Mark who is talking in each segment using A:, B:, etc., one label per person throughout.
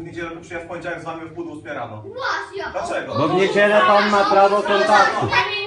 A: niedzielę, tylko przyjechał w poniedziałek z wami w pół do 8 rano.
B: Właśnie.
A: Dlaczego?
C: Bo w niedzielę pan ma prawo kontaktu.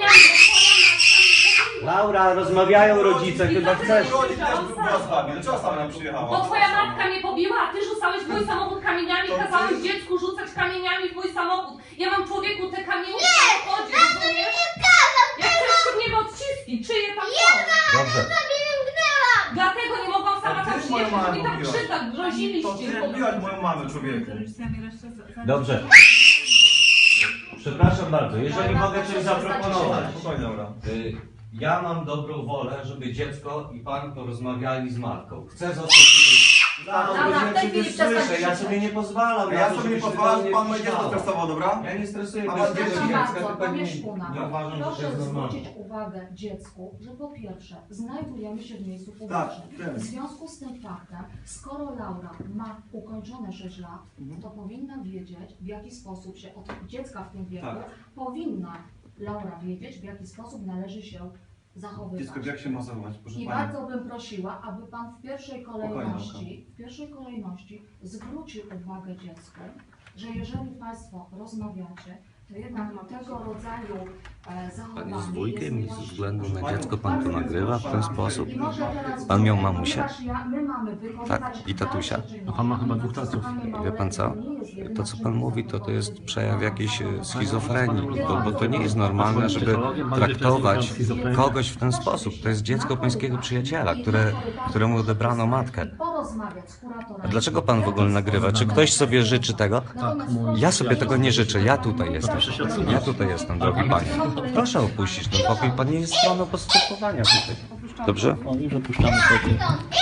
C: Laura, rozmawiają rodzice, chyba chcesz.
A: Rodzic też była z wami, dlaczego sama nam przyjechała?
D: Bo twoja matka mnie pobiła, a ty rzucałeś w mój samochód kamieniami, kazałeś dziecku rzucać kamieniami w mój samochód. Ja mam człowieku te kamienie w samochodzie, rozumiesz? Jak chcesz w niego odciski, czyje tam są?
C: Dobrze.
D: Dlatego nie mogłam sama tam
A: ty moją
D: przyjechać,
A: mamę
D: mi tak
A: pobiłaś.
D: krzywda,
A: To
D: groziliście.
A: ty pobiłaś moją mamę, człowieku.
C: Dobrze. Przepraszam bardzo, jeżeli mogę coś zaproponować.
A: Spokojnie, dobra.
C: Ja mam dobrą wolę, żeby dziecko i pan porozmawiali z matką. Chcę zostać tutaj.
B: Dobra, w tej chwili przestań
C: Słyszę, ja
B: krzyczeć.
C: sobie nie pozwalam.
A: Ja sobie nie pozwalam, że pan moje dziecko
C: stresował.
A: stresował, dobra?
C: Ja nie stresuję
A: A
C: bez
A: pan
C: dziecka,
A: dzieci?
C: tylko
E: Bardzo, panie
C: nie
E: Szpuna,
C: uważam, że to
E: proszę
C: jest normalne.
E: zwrócić uwagę dziecku, że po pierwsze znajdujemy się w miejscu
A: Tak,
E: publicznym.
A: wiem.
E: W związku z tym faktem, skoro Laura ma ukończone 6 lat, to powinna wiedzieć, w jaki sposób się od dziecka w tym wieku
A: Tak.
E: powinna Laura wiedzieć, w jaki sposób należy się zachowywać.
A: Dziecko, jak się ma zachować, proszę
E: I
A: pani?
E: bardzo bym prosiła, aby Pan w pierwszej kolejności zwrócił uwagę dziecku, że jeżeli Państwo rozmawiacie, to jednak tego rodzaju zachowanie
F: Pan jest wujkiem i ze
E: jest
F: względu na
E: niewłaściwe.
F: dziecko pan to nagrywa w ten sposób?
E: I może teraz
F: Pan miał
E: powiem,
F: mamusię?
E: ponieważ my mamy wykonywać
F: Tak, i tatusia?
E: dalsze czynności,
G: A pan ma chyba dwóch tatów.
F: Wie pan co? To co pan mówi, to jest przejaw jakiejś schizofrenii, bo to nie jest normalne, żeby traktować kogoś w ten sposób. To jest dziecko pańskiego przyjaciela, któremu odebrano matkę.
E: Porozmawiać z kuratorem.
F: A dlaczego pan w ogóle nagrywa? Czy ktoś sobie życzy tego?
E: Natomiast
F: Ja sobie tego nie życzę, ja tutaj jestem. Ja tutaj jestem, drogi panie. Proszę opuścić ten pokój, pan nie jest stroną postępowania tutaj. Dobrze?
G: O, już opuszczamy pokój.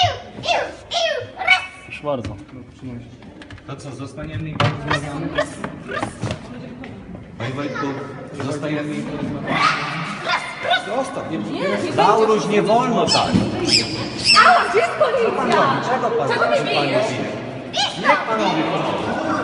G: Proszę bardzo.
C: To co, zostaniemy i porozmawiamy? Panie Wojtku, zostajemy i porozmawiamy. Lauruś, nie wolno tak!
D: A, gdzie jest policja?
C: Czego pan
D: Czego mnie bijesz?
C: Niech panowie